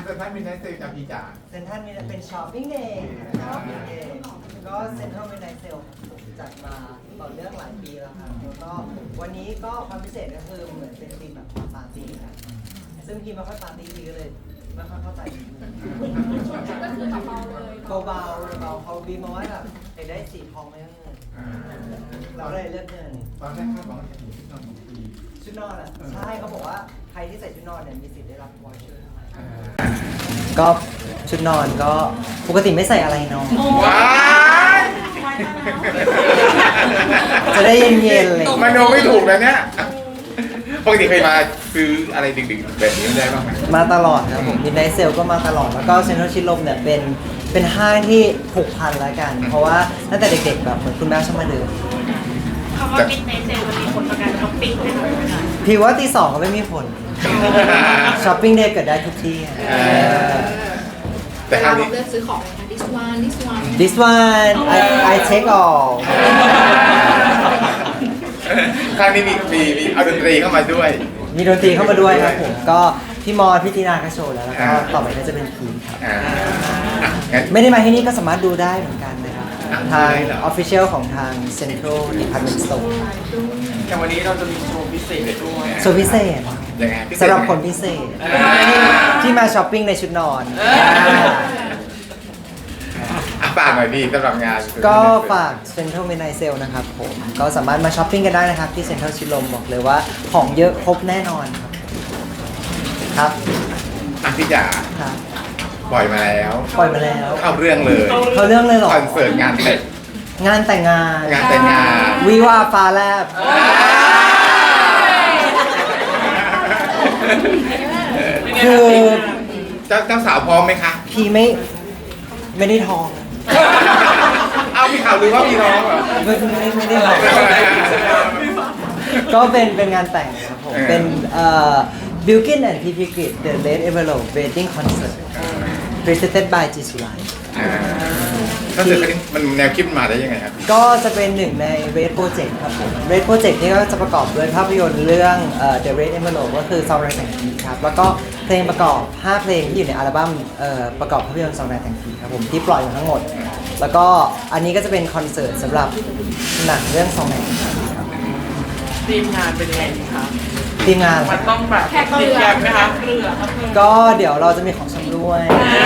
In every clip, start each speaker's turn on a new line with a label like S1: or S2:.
S1: เซ็นทรัลมิดไนท์เซลจากพี่จ๋า
S2: เซ็นทรัลมีเป็นช้อปปิ้งเดย์นะครับก็เซ็นทรัลมิดไนท์เซลจัดมาต่อเนื่องหลายปีแล้วครับแล้วก็วันนี้ก็ความพิเศษก็คือเหมือนเป็นธีมแบบปาร์ตี้ครับซึ่งพี่ไม่ค่อยปาร์ตี้เลยไม่ค่อยเข้าใจ
S3: ก็คือเบาๆเลย
S2: เบาเขาบีมาว่าแบบได้สีทองไม่ต้องเงินเราเลยเลือกเงิน
S1: ตอนแรกคาดหวังว่าจะเห็นชุดนอนของพี่
S2: ชุดนอนอ่ะใช่เขาบอกว่าใครที่ใส่ชุดนอนเนี่ยมีสิทธิ์ได้รับวอเชอร์ก็ชุดนอนก็ปกติไม่ใส่อะไรนอนจะได้เย็นๆเลย
S1: มันโนไม่ถูกนะเนี่ยปกติเคยมาซื้ออะไรดึกๆแบบนี้ได้บ้างไหม
S2: มาตลอดครับผมมิดไนท์เซลก็มาตลอดแล้วก็เซ็นทรัลชิดลมเนี่ยเป็นห้างที่ผูกพันแล้วกันเพราะว่าตั้งแต่เด็กๆแบบเหมือนคุณแม่ชอบมาเดิน
S3: คำว่ามิดไนท์เซลมันมีผลต่อการช้อปปิ้งไหมคะ
S2: พี่ว่าตี 2ก็ไม่มีผลช้อปปิ้งเดย์เกิดได้ทุกที่
S3: แต่เราเลือกซื้อของเลยค่ะ
S2: this one I take all
S1: ครั้งนี้มีเอาดนตรีเข้ามาด้วย
S2: มีดนตรีเข้ามาด้วยครับผมก็พี่มอพี่ตีนาก็โชว์แล้วก็ต่อไปก็จะเป็นพีครับไม่ได้มาที่นี่ก็สามารถดูได้เหมือนกันนะครับทาง Official ของทาง Central Department Store
S4: แต่วันนี้เราจะมีโชว์พิเศษด้วย
S2: โชว์พิเศษสำหรับคนพิเศษที่มาช้อปปิ้งในชุดนอน
S1: ฝากหน่อยดีสำหรับงาน
S2: ก็ฝาก Central Midnight Sale นะครับผมก็สามารถมาช้อปปิ้งกันได้นะครับที่ Central ชิดลมบอกเลยว่าของเยอะครบแน่นอนครับ
S1: พี่จ๋าปล่อยมาแล้วเข้าเรื่องเลย
S2: หรอ
S1: คอนเสิร์ตงานแต่
S2: งง
S1: าน
S2: วิวาฟ้าแลบคือ
S1: เจ้าสาวพร้อมไหมคะ
S2: พี่ไม่ได้ท้อง
S1: เอาพี่ข่าวลือว่าพี่ท้องเหรอ
S2: ไม่ได้ท้องก็เป็นงานแต่งครับผมเป็นBilkin and PP Grid The Late Envelope Wedding Concert Presented by G Surai
S1: ก็คือมันแนวคิดมาได้ยังไงครับ
S2: ก็จะเป็นหนึ่งใน Red Project ครับผม Red Project นี่ก็จะประกอบด้วยภาพยนตร์เรื่องThe Red Envelope ก็คือซองแรงแต่งผีครับแล้วก็เพลงประกอบ5เพลงที่อยู่ในอัลบั้มประกอบภาพยนตร์ซองแรงแต่งผีครับผมที่ปล่อยมาทั้งหมดแล้วก็อันนี้ก็จะเป็นคอนเสิร์ตสำหรับหนังเรื่องซองแรงครับ
S4: ทีมงานเป็นยังไงครับ
S2: ทีมงาน
S4: มันต้องแบบติดแกมไหมคะ
S2: ก็เดี๋ยวเราจะมีของชำร่วย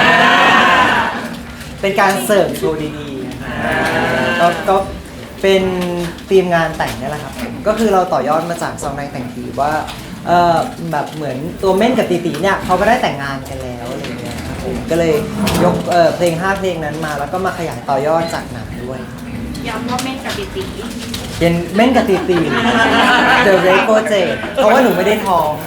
S2: เป็นการเสิร์ฟโชว์ดีๆก็เป็นทีมงานแต่งนี่แหละครับก็คือเราต่อยอดมาจากซองแรงแต่งผีว่าแบบเหมือนตัวเม่นกับตีตีเนี่ยเขาก็ได้แต่งงานกันแล้วอะไรเงี้ยครับผมก็เลยยกเพลง5เพลงนั้นมาแล้วก็มาขยายต่อยอดจากหนังด้วย
S3: ย้ำว่าเม่นกับตีตี
S2: เป็นเม่นกับตีตี The Red Project เพราะว่าหนูไม่ได้ท้อง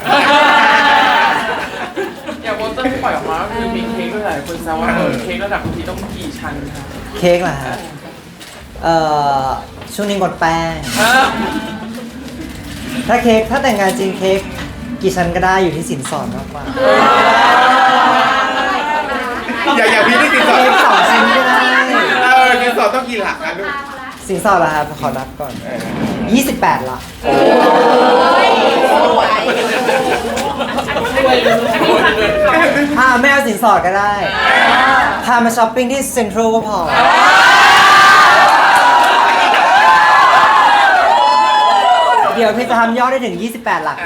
S4: อย่างโปสเตอร์ที่ปล่อยออกมาคือมีเค้กด้วยหลายคนแซวว่าเค้กระดับทีต้องกี่ชั้นคะ
S2: เค้กเหรอฮะช่วงนี้งดแป้งถ้าแต่งงานจริงเค้กกี่ชั้นก็ได้อยู่ที่สินสอดมากกว่า
S1: อย่างพี่ที่สินสอด
S2: เค้ก2 ชิ้นก็ได้
S1: สินสอดต้องกี่หลักกันลูก
S2: สินสอดเหรอครับขอนับก่อน28ละไม่เอาสินสอดก็ได้พามาช้อปปิ้งที่เซ็นทรัลก็พอเดี๋ยวพี่จะทำยอดได้ถึง28หลัก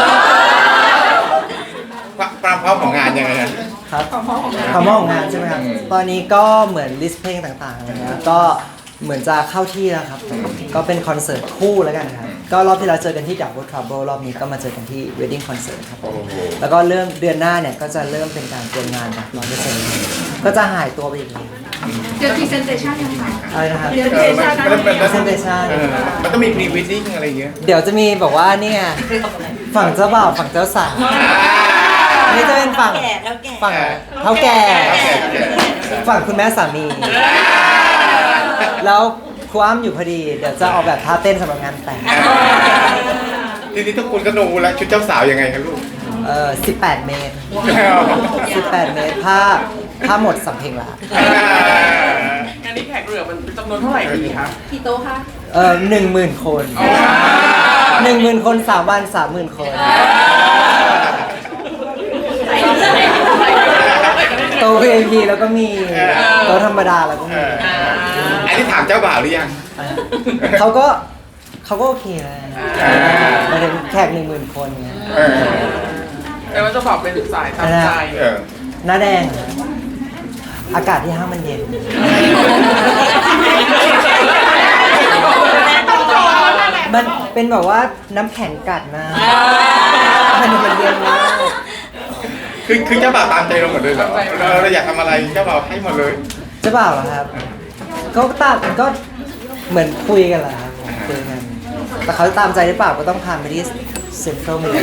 S1: ความพร้อมของงานยังไง
S2: ครับความพร้อมของงานใช่ไหมครับตอนนี้ก็เหมือนลิสต์เพลงต่างๆอะไรเงี้ยก็เหมือนจะเข้าที่แล้วครับก็เป็นคอนเสิร์ตคู่แล้วกันครับก็รอบที่เราเจอกันที่ Double Trouble รอบนี้ก็มาเจอกันที่ Wedding Concert ครับแล้วก็เริ่มเดือนหน้าเนี่ยก็จะเริ่มเป็นการเตรียมงานแบบ 100% ก็จะหายตัวไปอีกเลย
S3: เดี๋ยว presentation ยังไง
S2: อะไรนะครับ
S3: presentation
S1: มันต้องมี pre wedding อะไรเงี้ย
S2: เดี๋ยวจะมีบอกว่าเนี่ยฝั่งเจ้าบ่าวฝั่งเจ้าสาวนี่จะเป็นฝั่งเท่าแก่ฝั่งคุณแม่สามีแล้วครูอ้ำอยู่พอดีเดี๋ยวจะออกแบบท่าเต้นสำหรับงานแต่ง
S1: ทีนี้ทุกคนก็ดูแล้วชุดเจ้าสาวยังไงครับลูก
S2: 18 เมตร18 เมตรผ้าหมดสำเพ็งละ
S4: งานนี้แขกเรือมันจำนวนเท่าไหร่ดีคะ
S3: กี่โต๊ะคะ
S2: 10,000 คน 10,000 คน3 วัน 30,000 คนโต๊ะ VIP แล้วก็มีโต๊ะธรรมดาแล้วก็
S1: เอ
S2: มี
S1: ออันนี้ถามเจ้าบ่าวหรือยัง
S2: เขาก็โอเคแล้วหมายถึงแขก10,000 คนไง
S1: เออ
S4: แต่ว่าจะบอกเป็นสายตามใจ
S1: เออ
S2: หน้าแดงเหรออากาศที่ห้างมันเย็น มันเป็นแบบว่าน้ำแข็งกัดนะมันเย็นมาก
S1: คือเจ้าบ่าวตามใจเราหมดเลยเหรอเราอยากทำอะไรเจ้าบ่าวให้หมดเลย
S2: เจะเปล่าเหรอครับก็ตามก็เหมือนคุยกันแหละครับคุยกันแต่เขาตามใจหรือเปล่าก็ต้องพาไปที่เซ็นทรัลมิลเลอร์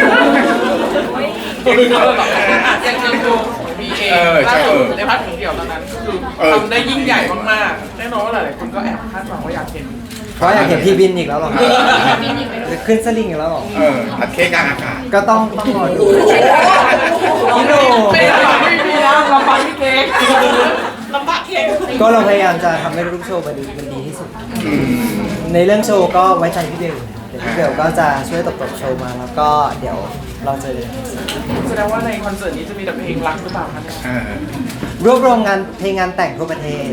S4: ยังดูมีเองล่าสุดในพาร์ทของเดี่ยวตอนนั้นคือทำได้ยิ่งใหญ่มากๆแน่นอนว่าหลายๆคนก็แอบคาดหวังว่าอยากเห็น
S2: เพราะอยากเห็นพี่บินอีกแล้วเหรอครับจะขึ้นสลิงอีกแล้วเหรอ
S1: ผัดเค้กกลางอากาศ
S2: ก็ต้องรอดูพี่โน่
S4: ไม่ได้หรอกไม่มีนะลำบากพี่เค้ก
S3: ลำบากเค้ก
S2: ก็เราพยายามจะทำให้ทุกโชว์มันดีที่สุด ในเรื่องโชว์ก็ไว้ใจพี่เบลเดี๋ยวพี่เบลก็จะช่วยตบโชว์มาแล้วก็เดี๋ยวเราเจอกัน
S4: แสดงว่าในคอนเสิร์ตนี้จะมีแต่เพลงรักหรือเปล่าคะเนี่ย
S2: รวบรวมงานเพลงงานแต่งทั่วประเทศ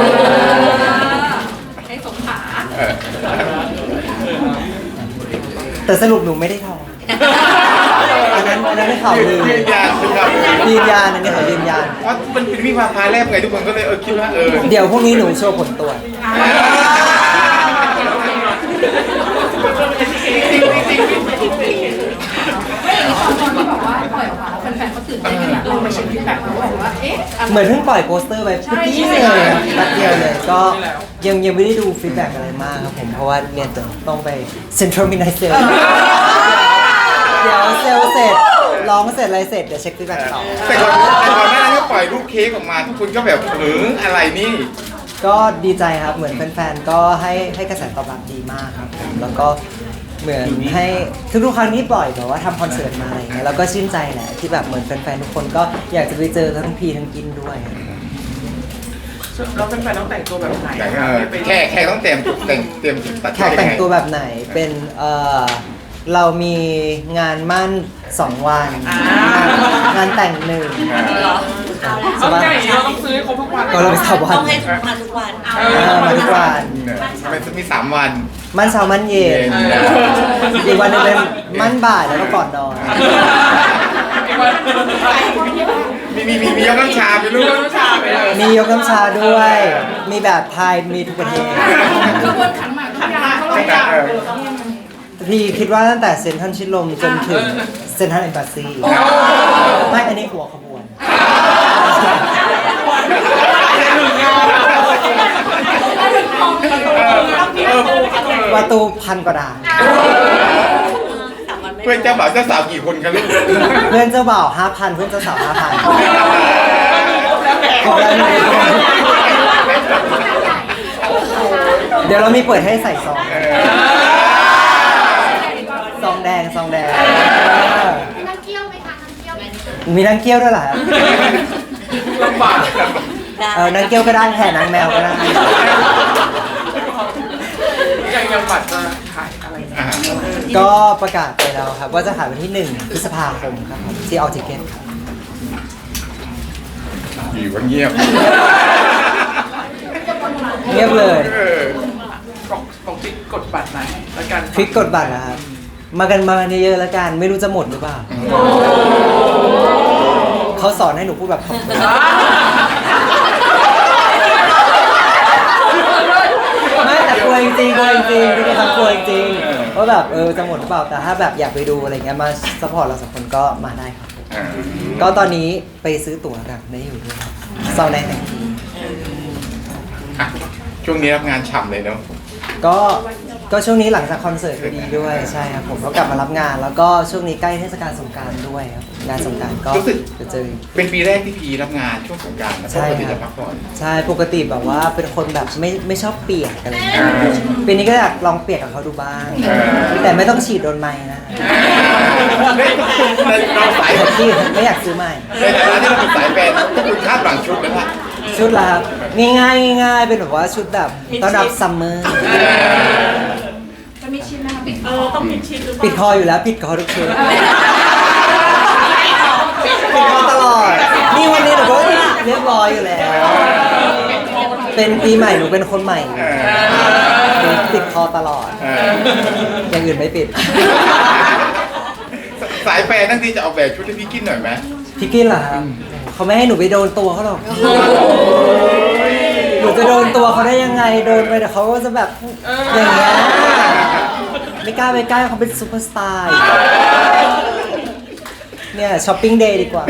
S3: ให้สมขา
S2: แต่สรุปหนูไม่ได้ทองอันนั้นไม่ข่าวลือ
S1: ยืนยันคือแบบ
S2: ยืนยันอันนี้ขอยืนยัน
S1: เพราะมันเป็นวิวาทาแรกไงทุกคนก็เลยคิดว่า
S2: เดี๋ยวพรุ่งนี้หนูโชว์ผลตรวจ เหมือนเพิ่งปล่อยโปสเตอร์ไปเมื่อกี้เลยแป๊บเดียวเลยก็ยังไม่ได้ดูฟีดแบ็กอะไรมากครับผมเพราะว่าเนี่ยต้องไปเซ็นทรัลมิดไนท์เซลเดี๋ยวเซลเสร็จร้องเสร็จอะไรเสร็จเดี๋ยวเช็คฟีดแบ็กต่อ
S1: แต่ก่อนหน้านั้นก็ปล่อยรูปเค้กออกมาทุกคนก็แบบอะไรนี่
S2: ก็ดีใจครับเหมือนแฟนๆก็ให้กระแสตอบรับดีมากครับผมแล้วก็เหมือนให้ทุกๆครั้งที่ปล่อยแบบว่าทำคอนเสิร์ตมาอะไรเงี้ยแล้วก็ชื่นใจแหละที่แบบเหมือนแฟนๆทุกคนก็อยากจะไปเจอทั้งพีทั้งกินด้วย
S4: เราเป็นแฟนต้องแต่งตัวแบบไหน
S1: แค่ต้องเตรียมตัด
S2: แขกแต่งตัวแบบไหนเป็นเรามีงานมั่น2 วันงานแต่ง1
S4: เอาใหญ่เราต้องซื้อครบทุกวัน
S2: ก็เราไป3 วัน
S5: ต้องให้มาทุกวัน
S2: มาทุกวัน
S1: มันมี3 วัน
S2: มั่นเช้ามั่นเย็นอีกวันหนึงเป็นมั่นบ่ายแล้วก็ก่อนนอน
S1: มียกน้ำชาไปลูก
S4: น้ำชาไปเลย
S2: มียกน้ำชาด้วย มีแบบไทยมีทุกประเทศ
S3: ขบวนขันหมากขันยาเขาเลยอยาก
S2: พี่คิดว่าตั้งแต่เซ็นทรัลชิดลมจนถึงเซ็นทรัลเอ็มบาซีไม่อันนี้หัวขบวน ประตู1,000 กว่าด่าน
S1: เพื่อนเจ้าบ่าวเจ้าสาวกี่คนกันลูก
S2: เพื่อนเจ้าบ่าว 5,000 เพื่อนเจ้าสาว 5,000ครบแล้วเดี๋ยวเรามีเปิดให้ใส่ซองซองแดง
S3: มีนักเกี้ยวไหมคะนักเกี้ยว
S2: มีนางเกี้ยวด้วยเหรอครับ
S4: ลำบาก
S2: นางเกี้ยวก็ได้แห่นางแมวก็ได้
S4: ยังบัตรจะขายอะไรนะ
S2: ก็ประกาศไปแล้วครับว่าจะขายวันที่1 พฤษภาคมครับผมที่ออทิเกตครับ
S1: อยู่กันเงียบ
S2: เงียบเลย
S4: บอกติ๊กกดบัตรไหนแล้วกัน
S2: คลิกกดบัตรนะครับ มากันเยอะๆแล้วกัน ไม่รู้จะหมดหรือเปล่า เขาสอนให้หนูพูดแบบขอบคุณไม่แต่กลัวจริงๆทุกคนกลัวจริงๆว่าแบบจะหมดหรือเปล่า แต่ถ้าแบบอยากไปดูอะไรเงี้ยมาซัพพอร์ตเรา2 คนก็มาได้ครับ ก็ตอนนี้ไปซื้อตั๋วแบบได้อยู่ด้วยซาวแดงแต่งที
S1: ช่วงนี้รับงานฉ่ำเลยเนาะ
S2: ก็ช่วงนี้หลังจากคอนเสิร์ตพอดีด้วยใช่ครับผมก็กลับมารับงาน แล้วก็ช่วงนี้ใกล้เทศกาลสงกรานต์ด้วยครับงานสงกรานต์ก็จะเจอ
S1: เป็นปีแรกที่พีรับงานช่วงสงกรานต์นะปกติจะพักผ่อน
S2: ใช่ปกติแบบว่าเป็นคนแบบไม่ชอบเปียกอะไรอย่างเงี้ยปีนี้ก็อยากลองเปียกกับเขาดูบ้าง แต่ไม่ต้องฉีดโดนไม้นะ
S1: เราสาย
S2: แต่ที่ไม่อยากซื้อใหม่
S1: ในฐานะที่เราเป็นสายแฟนพวกคุณคาดหวังชุดไหมล่ะ
S2: ชุดละครับง่ายๆเป็นแบบว่าชุดแบบต้อนรับซัมเมอร์
S3: จะมีชิ้นนะคะต้องมีชิ้นหรือเป
S2: ปิด
S3: ล่า
S2: คออยู่แล้วปิดคอทุกชุดปิดคอตลอดนี่วันนี้หนูก็เรียบร้อยอยู่แล้ว เป็นปีใหม่หนูเป็นคนใหม่หนูติดคอตลอด อย่างอื่นไม่ปิด
S1: สายแฟนทั้งทีจะออกแบบชุดให้พี่กินหน่อยไหม
S2: พี่กินเหรอครับเขาไม่ให้หนูไปโดนตัวเขาหรอก หนูจะโดนตัวเขาได้ยังไง โดนไปเดี๋ยวเขาก็จะแบบอย่างเงี้ย ไม่กล้าไปใกล้เขาเป็นซูเปอร์สตาร์เนี่ยช้อปปิ้งเดย์ดีกว่า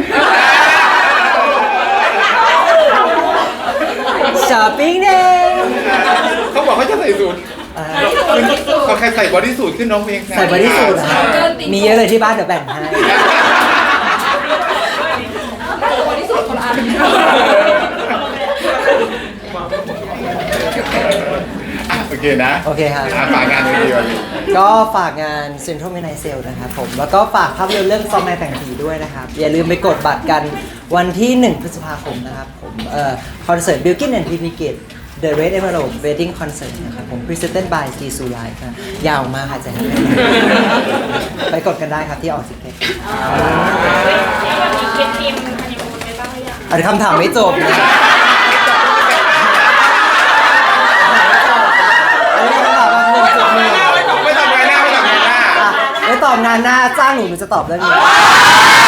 S2: ช้อปปิ้งเดย์
S1: เขาบอกเขาจะใส่สูทเขาใครใส่บอดี้สูทขึ้นน้องเพลง
S2: ใส่บอดี้สูทนะมีเยอะเลยที่บ้านเดี๋ยวแบ่งให้
S1: โอเคนะ
S2: โอเคครับ
S1: ฝากงานเลยดีกว่า
S2: ก็ฝากงาน Central Midnight Sale นะครับผม แล้วก็ฝากภาพยนตร์เรื่องซอมแมนแต่งผีด้วยนะครับ อย่าลืมไปกดบัตรกันวันที่ 1 พฤษภาคมนะครับผมคอนเสิร์ต Bilkin and PP Gate The Red Emerald Wedding Concert นะครับผม Presented by G Su Live ครับยาวมากค่ะจะให้ไปกดกันได้ครับที่ออกซิเก็ต
S3: วันนี้เก็บทีมฮันนีมูนไปบ้างหรือยัง
S2: อันคำถามไม่จบนะอันนี้คำถามแบบ1.1
S1: ไม่ตอบงานหน้าไม่ตอบงานหน้า
S2: ไม่ตอบงานหน้าจ้างหนูจะตอบเรื่องนี้